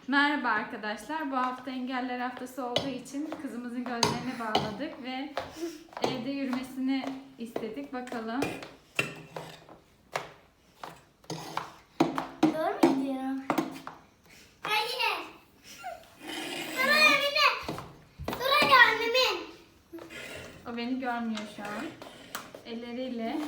Merhaba arkadaşlar. Bu hafta engeller haftası olduğu için kızımızın gözlerini bağladık ve evde yürümesini istedik. Bakalım. Doğru mu gidiyorum? Hayır. Soraya bile. Soraya annemin. O beni görmüyor şu an. Elleriyle.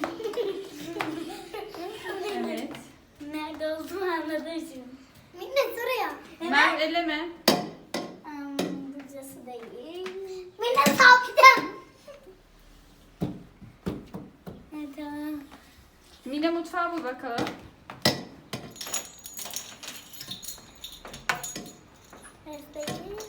Evet. Nerede olduğumu anladım şimdi. Minne soraya. Mert eleme. Burası değil. Minne saptım. Evet tamam. Mine mutfağı bul bakalım. Evet değil.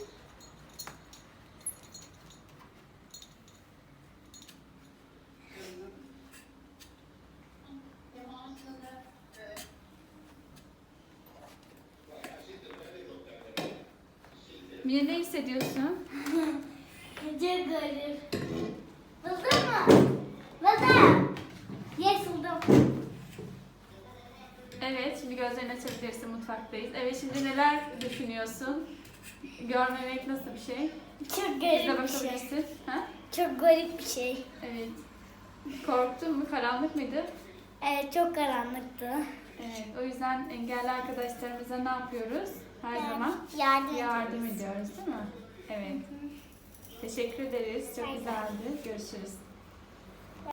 Mine ne hissediyorsun? Çok garip. Buldun mu? Buldum. Yes buldum. Evet, şimdi gözlerini açabilirsin. Mutfaktayız. Evet, şimdi neler düşünüyorsun? Görmemek nasıl bir şey? Çok Bize garip bir şey. bakabilirsin. Ha? Çok garip bir şey. Evet. Korktun mu? Karanlık mıydı? Evet çok karanlıktı. Evet. O yüzden engelli arkadaşlarımıza ne yapıyoruz? Her zaman Yardım ediyoruz, değil mi? Evet. Teşekkür ederiz. Çok güzeldi. Görüşürüz.